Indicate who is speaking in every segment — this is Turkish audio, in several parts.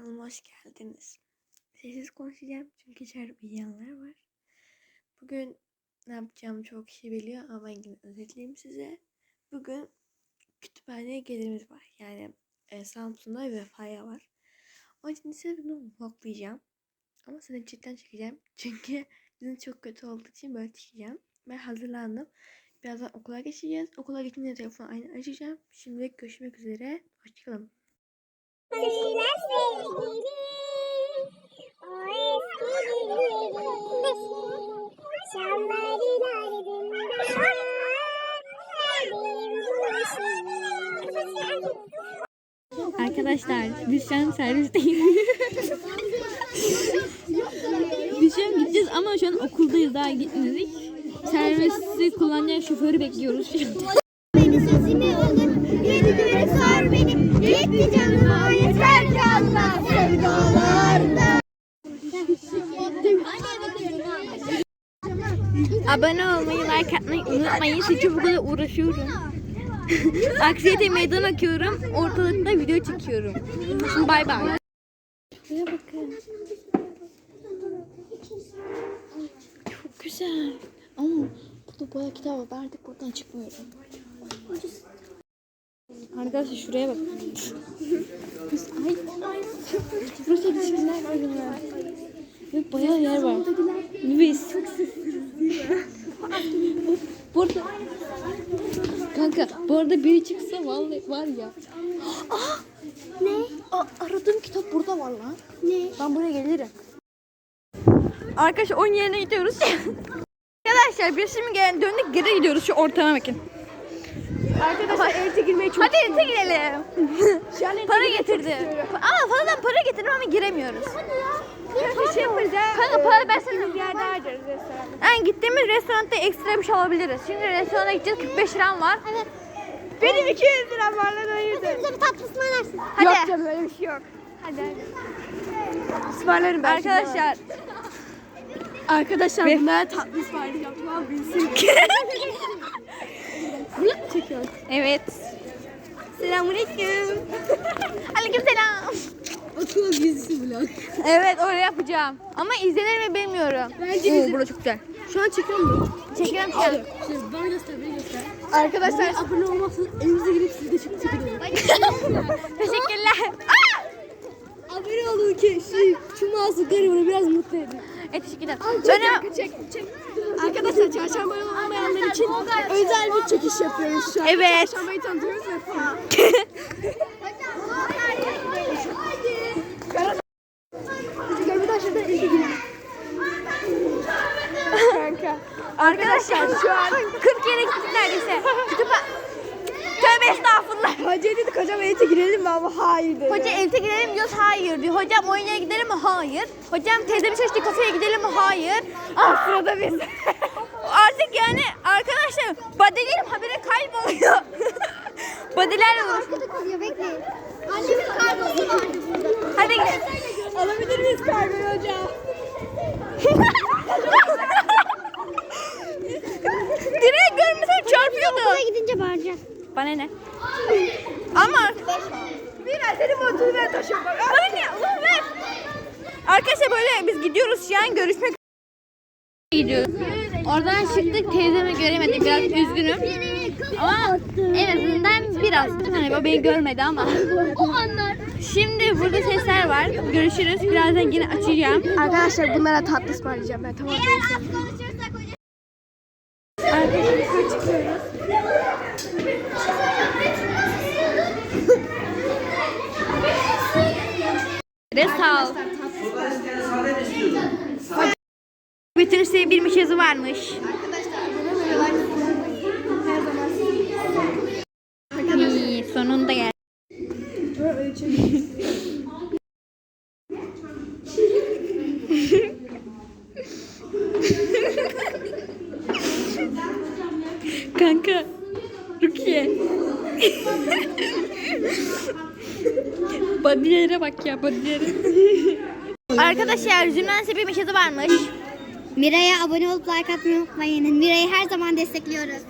Speaker 1: Kanalıma hoş geldiniz. Sessiz konuşacağım çünkü içeride uyuyanlar var. Bugün ne yapacağımı çok kişi biliyor ama ben yine özetleyeyim size. Bugün kütüphaneye gelirimiz var. Yani Samsun'da ve Vefa'ya var. Onun için size bunu vloglayacağım. Ama size cidden çekeceğim. Çünkü bizim çok kötü olduğu için böyle çekeceğim. Ben hazırlandım. Birazdan okula geçeceğiz. Okula geçince telefonu aynı açacağım. Şimdilik görüşmek üzere. Hoşçakalın. Arkadaşlar biz şu an servisteyiz. Biz şu an gideceğiz ama şu an okuldayız, daha gitmedik. Servisi kullanacak şoförü bekliyoruz.
Speaker 2: Beni sesimi olur, yedi göğe sar beni, yetti canıma yeter ki Allah sevdalarda.
Speaker 1: Abone olmayı, like atmayı unutmayın. Çünkü bu kadar uğraşıyorum. Aksiyete meydan okuyorum. Ortalıkta video çekiyorum. Şimdi bay bay. Şuraya bakın. Çok güzel. Ama burada bayağı kitap var. Ben artık buradan çıkmıyorum. Arkadaşlar şuraya bak. Ay. Burası ilişkiler var ya. Ve bayağı yer var. Biz. Burada. Kanka bu arada biri çıksa vallahi var ya.
Speaker 2: Ne?
Speaker 1: Aradığım kitap burada var lan.
Speaker 2: Ne?
Speaker 1: Ben buraya gelirim. Arkadaşlar oyun yerine gidiyoruz. Arkadaşlar biz şimdi döndük, geri gidiyoruz, şu ortama bakın.
Speaker 2: Arkadaşlar evde girmeyi çok
Speaker 1: Hadi evde girelim. Para getirdim. Ama fazladan para getirdim ama giremiyoruz.
Speaker 2: bir şey yapacağız.
Speaker 1: Kanka para versene.
Speaker 2: Bir yerde harcarız restoranda.
Speaker 1: Yani gittiğimiz restoranda ekstra bir şey alabiliriz. Şimdi restorana gideceğiz, 45 liram var.
Speaker 2: Evet.
Speaker 1: Benim 200 liram var lan, hayırdır.
Speaker 2: Bize bir tatlı ısmarlarsın.
Speaker 1: Hadi.
Speaker 2: Yok canım öyle bir şey yok. Hadi. Ismarlarım ben.
Speaker 1: Arkadaşlar
Speaker 2: bunlara tatlı ısmarlayacağım. Tamam bilsin.
Speaker 1: vlog çekiyor. Evet.
Speaker 2: Selamünaleyküm.
Speaker 1: Aleykümselam.
Speaker 2: Okul gezisi vlog.
Speaker 1: Evet, öyle yapacağım. Ama izlenir mi bilmiyorum.
Speaker 2: Bence
Speaker 1: Oo, burada çok güzel.
Speaker 2: Şu an çekiyor mu?
Speaker 1: Çekiyorum şu an.
Speaker 2: Şimdi bana göster, beni göster.
Speaker 1: Arkadaşlar
Speaker 2: Abone olmazsanız evimize girip sizi de çekelim.
Speaker 1: teşekkürler.
Speaker 2: Abone olun ki şu masum garibanı biraz mutlu edin.
Speaker 1: Teşekkürler.
Speaker 2: Çek. Arkadaşlar çarşamba olmayanlar için özel bir çekiş yapıyoruz şu an.
Speaker 1: Evet.
Speaker 2: Çarşambayı tanıtıyoruz ve falan.
Speaker 1: Arkadaşlar şu an 40 yere gittik neredeyse. Tövbe estağfurullah.
Speaker 2: Hoca dedik hocam evde girelim mi ama hayır dedi.
Speaker 1: Hoca evde gidelim diyoruz, hayır diyor. Hocam oyuna gidelim mi? Hayır. Hocam teyzemin çalıştığı kafeye gidelim mi? Hayır. Ah, sırada biz. Artık yani arkadaşlar badelerim habire kayboluyor. Badelerle uğraşıyorum.
Speaker 2: Arkada kalıyor bekleyin. Annemin kargosu vardı burada.
Speaker 1: Hadi gidelim.
Speaker 2: Alabilir miyiz kargoyu hocam?
Speaker 1: Direğe görmesem çarpıyordu.
Speaker 2: Okula gidince bağıracak.
Speaker 1: Bana ne? Ama
Speaker 2: Biraz senin montunu ver taşıyorum bak.
Speaker 1: bana ne? Ulan ver. Arkadaşlar böyle biz gidiyoruz şu an, görüşmek gidiyoruz. Oradan çıktık, teyzemi göremedim, biraz üzgünüm. Ama en azından biraz. Hani o beni görmedi ama.
Speaker 2: O anlar.
Speaker 1: Şimdi burada sesler var. Görüşürüz. Birazdan yine açacağım.
Speaker 2: Arkadaşlar bunlara tatlı ısmarlayacağım ben, tamam.
Speaker 1: Arkadaşlar yukarı çıkıyoruz. Sağ ol. Bütün sevdiğim yazı varmış. İyi, sonunda geldi. Kanka, Rukiye. Badilere bak ya, badilere. Arkadaşlar Zümrüt'ün bir meşası varmış.
Speaker 2: Miray'a abone olup like atmayı unutmayın. Miray'ı her zaman destekliyoruz.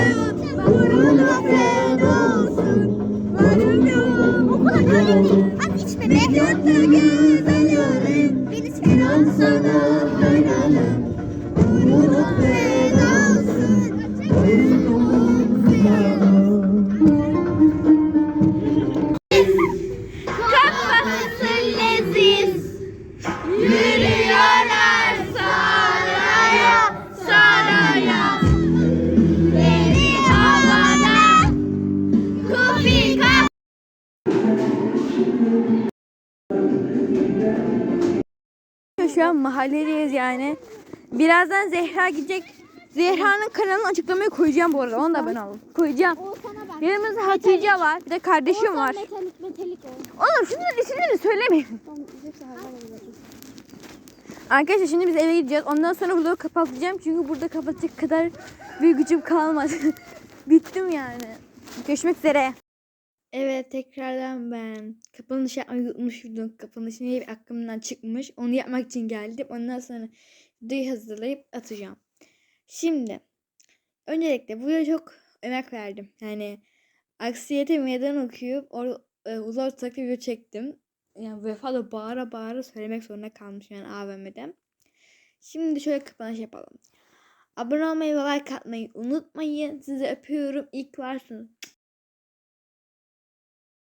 Speaker 2: Okula Mehmet'te güzel yarım. Beni seven sana hayranım. Uğruna feda olsun. Uğruna ziyanım. Kafası leziz. Yürüyorlar saraya, saraya. Beni havada kufi kaf.
Speaker 1: Şu an mahalledeyiz yani. Birazdan Zehra gidecek. Zehra'nın kanalını açıklamaya koyacağım bu arada. Onu da ben aldım. Koyacağım.
Speaker 2: Oğuzhan'a bak.
Speaker 1: Yanımızda Hatice var. Bir de kardeşim var.
Speaker 2: Metalik ol.
Speaker 1: Oğlum şunların isimlerini söylemeyin. Arkadaşlar şimdi biz eve gideceğiz. Ondan sonra vlogu kapatacağım. Çünkü burada kapatacak kadar bir gücüm kalmadı. Bittim yani. Görüşmek üzere. Evet tekrardan ben kapanış yapmayı unutmuştum. Kapanış niye bir aklımdan çıkmış. Onu yapmak için geldim. Ondan sonra videoyu hazırlayıp atacağım. Şimdi öncelikle bu videoya çok emek verdim. Yani aksiyete meydan okuyup uzak tutaklı video çektim. Yani Vefa bağıra bağıra söylemek zorunda kalmış yani AVM'de. Şimdi şöyle kapanış yapalım. Abone olmayı ve like atmayı unutmayın. Sizi öpüyorum. İyi ki varsınız.